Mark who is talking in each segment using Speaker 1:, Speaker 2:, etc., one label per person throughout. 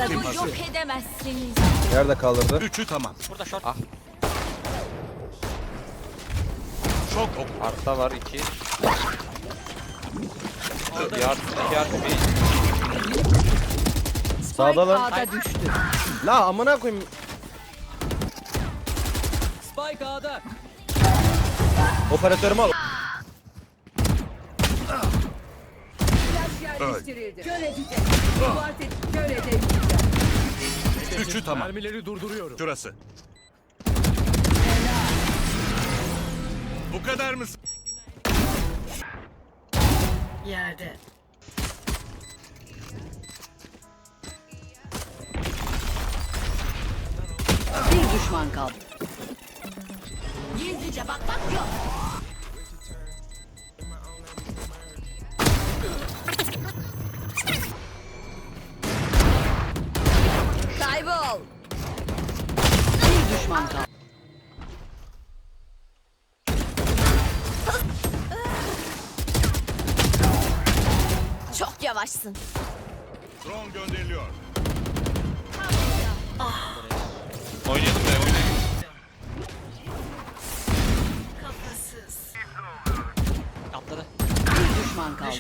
Speaker 1: Dostlarımı yok edemezsiniz.
Speaker 2: Nerede kaldırdı?
Speaker 3: Üçü tamam.
Speaker 4: Burada short.
Speaker 5: Ah.
Speaker 3: Şok oku.
Speaker 5: Arta var 2. Yard bir.
Speaker 2: Sağda lan.
Speaker 6: A'da düştü.
Speaker 2: La amına koyayım.
Speaker 6: Spike A'da.
Speaker 2: Operatörümü al.
Speaker 6: Flash yerleştirildi. Kör edecek. Kuartet kör edecek.
Speaker 3: Üçü tamam.
Speaker 7: Mermileri durduruyorum.
Speaker 3: Şurası. Bu kadar mısın?
Speaker 6: Yerde. Bir düşman kaldı.
Speaker 1: Gizlice bakmak yok. Kaybol.
Speaker 6: Bir düşman kaldı.
Speaker 1: Çok yavaşsın.
Speaker 3: Drone gönderiliyor.
Speaker 5: Oynayalım be oynayalım.
Speaker 4: Atladı.
Speaker 6: Bir düşman kaldı.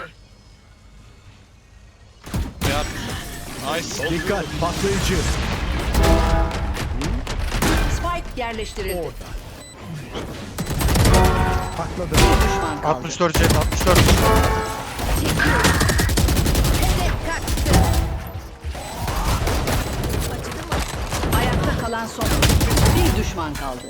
Speaker 5: Yard. Nice.
Speaker 7: Dikkat patlayıcı.
Speaker 6: Spike yerleştirildi.
Speaker 7: Patladı.
Speaker 6: Bir düşman kaldı.
Speaker 5: 64 jet 64.
Speaker 1: Hedef kaçtı.
Speaker 6: Ayakta kalan son. Bir düşman kaldı.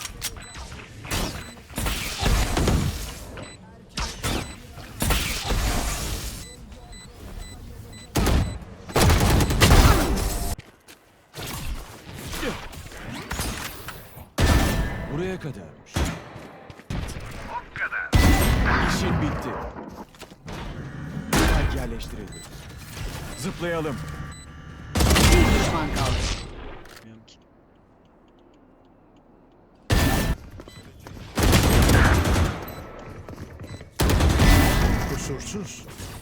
Speaker 7: Buraya kadarmış. İşin bitti. Spike yerleştirildi. Zıplayalım.
Speaker 6: Bir düşman kaldı.
Speaker 4: Bilmiyorum ki.
Speaker 7: Kusursuz.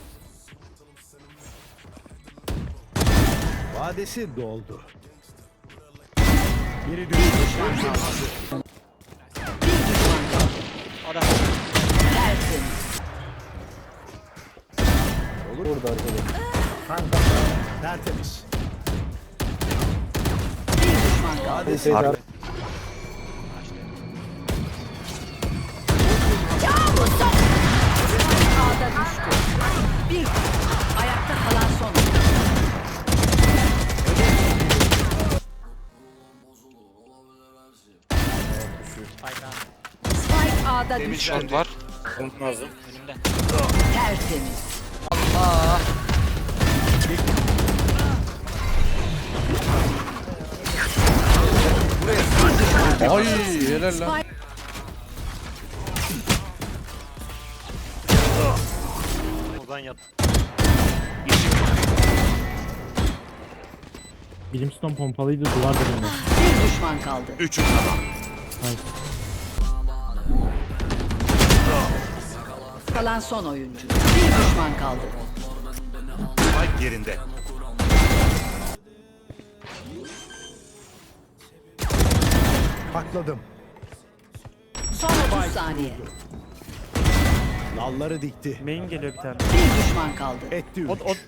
Speaker 7: Vadesi doldu. Biri düştü.
Speaker 6: Bir düşman kaldı.
Speaker 4: O da.
Speaker 6: Tertemiz.
Speaker 2: Burada arkada.
Speaker 7: Tertemiz.
Speaker 6: Bir düşman kaldı.
Speaker 2: Hadi Seyit
Speaker 6: A'da düştü. Bir. Ayakta kalan son. Spike A'da düştü.
Speaker 5: Short var.
Speaker 4: Önümde.
Speaker 6: Tertemiz.
Speaker 2: Ay helal lan.
Speaker 4: Buradan yat.
Speaker 8: Brimstone pompalıydı duvar dibinde.
Speaker 6: Bir düşman kaldı.
Speaker 3: Üçü tamam.
Speaker 6: Kalan son oyuncu. Bir düşman kaldı.
Speaker 3: Spike yerinde.
Speaker 7: Patladım.
Speaker 6: Son 30 saniye.
Speaker 7: Nalları dikti.
Speaker 8: Main geliyor bir tane.
Speaker 6: Bir düşman kaldı.
Speaker 7: Etti üç.
Speaker 8: O